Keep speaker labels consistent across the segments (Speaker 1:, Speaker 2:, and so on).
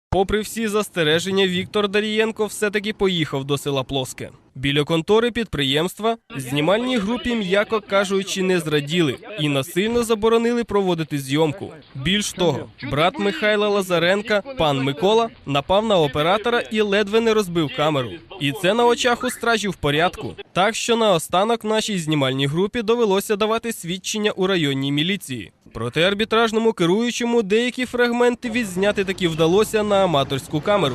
Speaker 1: Попри всі застереження, Віктор Дарієнко все-таки поїхав до села Плоске. Біля контори підприємства знімальній групі, м'яко кажучи, не зраділи і насильно заборонили проводити зйомку. Більш того, брат Михайла Лазаренка, пан Микола, напав на оператора і ледве не розбив камеру. І це на очах у стражів порядку. Так що наостанок нашій знімальній групі довелося давати свідчення у районній міліції. Проте арбітражному керуючому деякі фрагменти відзняти таки вдалося на аматорську камеру.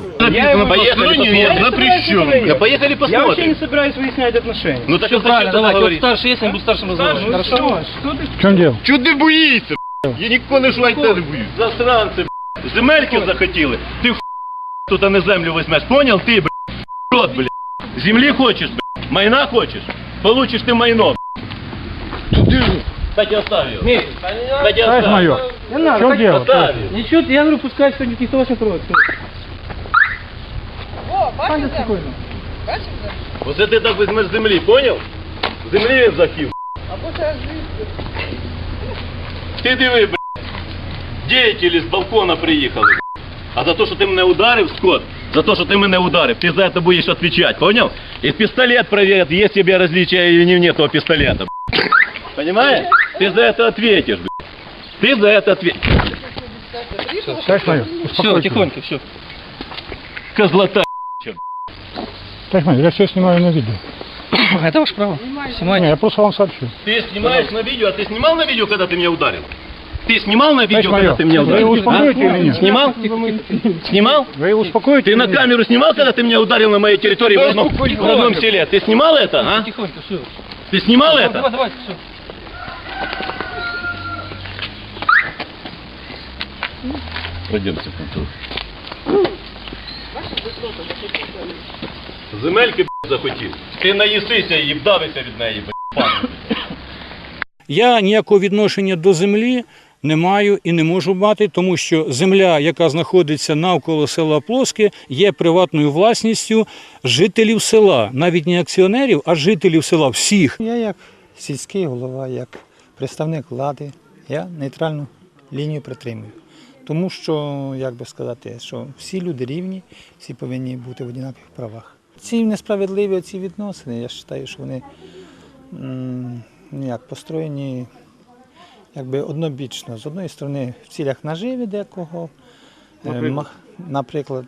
Speaker 2: Поехали посмотрим.
Speaker 3: Я вообще не собираюсь выяснять отношения.
Speaker 2: Ну так правильно, давай, тут старший есть, он будет старшим разговаривать.
Speaker 3: Хорошо. Что ты?
Speaker 4: В чем дело?
Speaker 2: Чого ти боїшся, Я нікого не швайте не боюсь. Засранці, земельки захотіли. Ти тут а не землю візьмеш, понял? Ти, рот, Землі хочеш, майна хочеш? Получиш ти майно, Кстати, оставь его.
Speaker 3: Нет,
Speaker 2: Кстати,
Speaker 4: Товарищ
Speaker 2: оставь.
Speaker 4: майор,
Speaker 3: не
Speaker 4: в
Speaker 3: надо.
Speaker 4: чем
Speaker 3: так-
Speaker 4: дело?
Speaker 2: Оставь его.
Speaker 3: Ничего, я говорю, пускай сегодня никто вас не трогает.
Speaker 5: О,
Speaker 3: Паня,
Speaker 5: бачите?
Speaker 3: спокойно.
Speaker 5: Бачите?
Speaker 2: Оце ти так візьмеш землі, понял? Землі він захів.
Speaker 5: Або це звідси.
Speaker 2: Ти диви, деятелі з балкона приїхали. А за те, що ти мене ударив, Скот, за те, що ти мене ударив, ти за це будеш відповідати, понял? І пістолет перевірять, є тебе различия или не того пістолета, Понимаешь? Ты за это ответишь, Ты за это ответишь.
Speaker 4: Товарищ майор,
Speaker 3: Все,
Speaker 4: успокойтесь.
Speaker 3: тихонько, все.
Speaker 2: Козлота.
Speaker 4: Товарищ майор, я все снимаю на видео.
Speaker 3: Это ваше право.
Speaker 4: Не,
Speaker 3: Снимайте.
Speaker 4: я просто вам сообщу.
Speaker 2: Ты снимаешь на видео, а ты снимал на видео, когда ты меня ударил? Ты снимал на видео,
Speaker 4: майор,
Speaker 2: когда ты меня
Speaker 4: вы
Speaker 2: ударил?
Speaker 4: его успокоите или нет?
Speaker 2: Снимал? Снимал?
Speaker 4: Вы его успокоите?
Speaker 2: Ты на
Speaker 4: или нет?
Speaker 2: камеру снимал, когда ты меня ударил на моей территории в родном селе? Ты снимал это, а?
Speaker 3: Тихонько, все.
Speaker 2: Ты снимал это?
Speaker 3: Давайте, все.
Speaker 2: Пройдемте в контору. Земельки захотів. Ти наїсися і вдавися від неї, пане.
Speaker 6: Я ніякого відношення до землі не маю і не можу мати, тому що земля, яка знаходиться навколо села Плоске, є приватною власністю жителів села. Навіть не акціонерів, а жителів села всіх.
Speaker 7: Я як сільський голова, як представник влади, я нейтральну лінію притримую. Тому що, як би сказати, що всі люди рівні, всі повинні бути в однакових правах. Ці несправедливі ці відносини, я вважаю, що вони построєні якби однобічно. З однієї сторони, в цілях наживи декого, наприклад,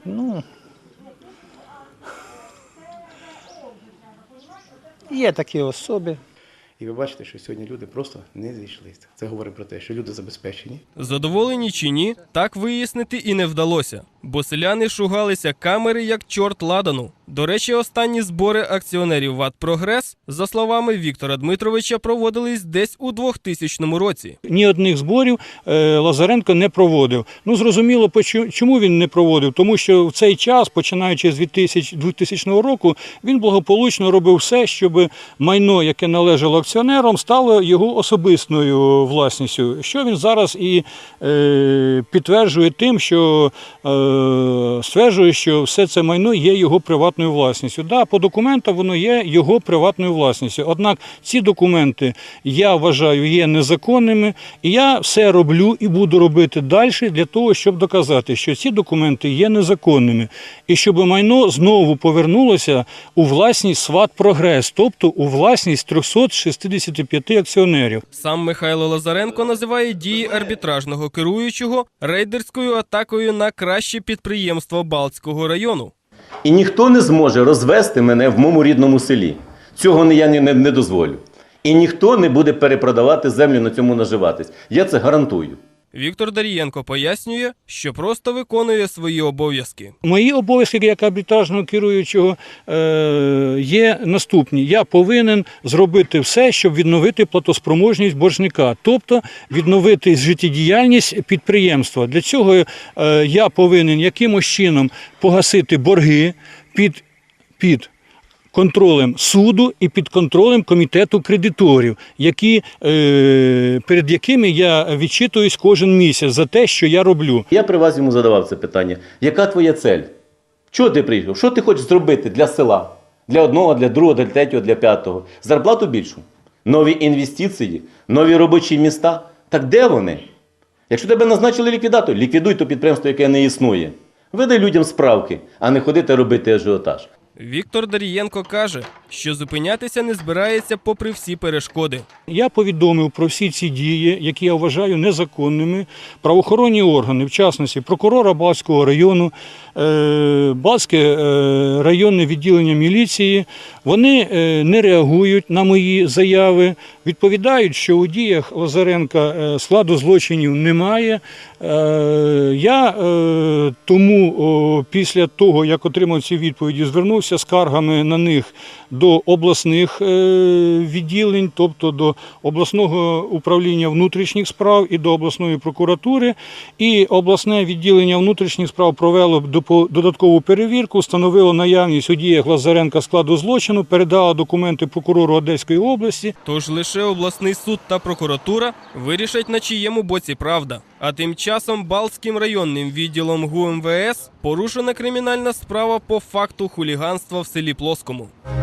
Speaker 7: є такі особи.
Speaker 8: І ви бачите, що сьогодні люди просто не зійшлися. Це говорить про те, що люди забезпечені.
Speaker 1: Задоволені чи ні, так вияснити і не вдалося, бо селяни шугалися камери як чорт ладану. До речі, останні збори акціонерів ВАТ «Прогрес», за словами Віктора Дмитровича, проводились десь у 2000 році.
Speaker 6: Ні одних зборів Лазаренко не проводив. Ну, зрозуміло, чому він не проводив? Тому що в цей час, починаючи з 2000 року, він благополучно робив все, щоб майно, яке належало акціонерам, стало його особистою власністю. Що він зараз і підтверджує тим, що стверджує, що все це майно є його приватною власністю. Да, по документам воно є його приватною власністю. Однак ці документи, я вважаю, є незаконними, і я все роблю і буду робити далі для того, щоб доказати, що ці документи є незаконними, і щоб майно знову повернулося у власність СВАТ «Прогрес», тобто у власність 365 акціонерів.
Speaker 1: Сам Михайло Лазаренко називає дії арбітражного керуючого рейдерською атакою на краще підприємство Балтського району.
Speaker 9: І ніхто не зможе розвести мене в моєму рідному селі. Цього я не дозволю. І ніхто не буде перепродавати землю, на цьому наживатись. Я це гарантую.
Speaker 1: Віктор Дарієнко пояснює, що просто виконує свої обов'язки.
Speaker 6: Мої обов'язки як арбітражного керуючого є наступні. Я повинен зробити все, щоб відновити платоспроможність боржника, тобто відновити життєдіяльність підприємства. Для цього я повинен якимось чином погасити борги під контролем суду і під контролем комітету кредиторів, перед якими я відчитуюсь кожен місяць за те, що я роблю.
Speaker 9: Я при вас йому задавав це питання. Яка твоя цель? Чого ти приїхав? Що ти хочеш зробити для села? Для одного, для другого, для третього, для п'ятого? Зарплату більшу? Нові інвестиції? Нові робочі міста? Так де вони? Якщо тебе назначили ліквідатор, ліквідуй то підприємство, яке не існує. Веди людям справки, а не ходити робити ажіотаж.
Speaker 1: Віктор Дарієнко каже, що зупинятися не збирається попри всі перешкоди.
Speaker 6: Я повідомив про всі ці дії, які я вважаю незаконними, правоохоронні органи, в частності прокурора Балтського району, Балтське районне відділення міліції. Вони не реагують на мої заяви, відповідають, що у діях Лазаренка складу злочинів немає. Я тому після того, як отримав ці відповіді, звернувся з скаргами на них до обласних відділень, тобто до обласного управління внутрішніх справ і до обласної прокуратури. І обласне відділення внутрішніх справ провело додаткову перевірку, встановило наявність у діях Лазаренка складу злочину, передало документи прокурору Одеської області.
Speaker 1: Тож лише обласний суд та прокуратура вирішать, на чиєму боці правда. А тим часом Балтським районним відділом ГУ МВС порушена кримінальна справа по факту хуліганства в селі Плоскому.